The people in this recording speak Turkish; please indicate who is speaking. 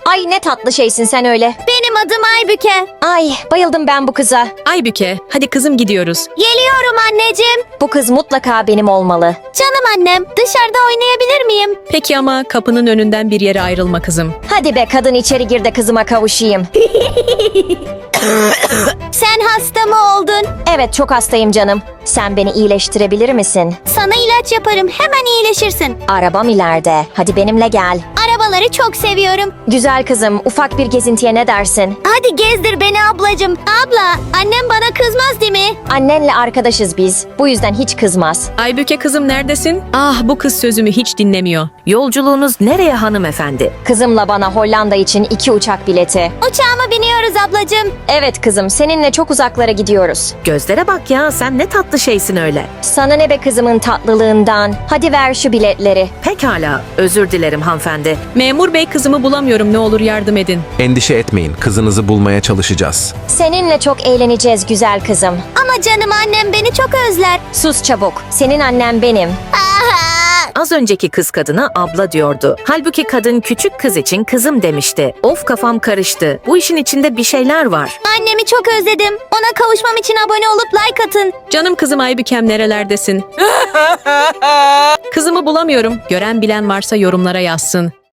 Speaker 1: Ay ne tatlı şeysin sen öyle.
Speaker 2: Benim adım Aybüke.
Speaker 1: Ay bayıldım ben bu kıza.
Speaker 3: Aybüke, hadi kızım gidiyoruz.
Speaker 2: Geliyorum anneciğim.
Speaker 1: Bu kız mutlaka benim olmalı.
Speaker 2: Canım annem, dışarıda oynayabilir miyim?
Speaker 3: Peki ama kapının önünden bir yere ayrılma kızım.
Speaker 1: Hadi be kadın içeri gir de kızıma kavuşayım.
Speaker 2: Sen hasta mı oldun?
Speaker 1: Evet çok hastayım canım. Sen beni iyileştirebilir misin?
Speaker 2: Sana ilaç yaparım, hemen iyileşirsin.
Speaker 1: Arabam ileride. Hadi benimle gel.
Speaker 2: Arabaları çok seviyorum.
Speaker 1: Güzel kızım ufak bir gezintiye ne dersin?
Speaker 2: Hadi gezdir beni ablacığım. Abla, annem bana kızmaz değil mi?
Speaker 1: Annenle arkadaşız biz. Bu yüzden hiç kızmaz.
Speaker 3: Aybüke kızım neredesin? Ah bu kız sözümü hiç dinlemiyor.
Speaker 4: Yolculuğunuz nereye hanımefendi?
Speaker 1: Kızımla bana Hollanda için 2 uçak bileti.
Speaker 2: Uçağıma biniyoruz ablacığım.
Speaker 1: Evet kızım seninle çok uzaklara gidiyoruz.
Speaker 4: Gözlere bak ya, sen ne tatlı şeysin öyle.
Speaker 1: Sana ne be kızımın tatlılığından. Hadi ver şu biletleri.
Speaker 4: Pekala, özür dilerim hanımefendi.
Speaker 3: Memur bey kızımı bulamıyorum, ne olur yardım edin.
Speaker 5: Endişe etmeyin, kızınızı bulmaya çalışacağız.
Speaker 1: Seninle çok eğleneceğiz güzel kızım.
Speaker 2: Ama canım annem beni çok özler.
Speaker 1: Sus çabuk. Senin annen benim.
Speaker 2: Aha!
Speaker 4: Az önceki kız kadına abla diyordu. Halbuki kadın küçük kız için kızım demişti. Of kafam karıştı. Bu işin içinde bir şeyler var.
Speaker 2: Annemi çok özledim. Ona kavuşmam için abone olup like atın.
Speaker 3: Canım kızım Aybükem nerelerdesin? Kızımı bulamıyorum. Gören bilen varsa yorumlara yazsın.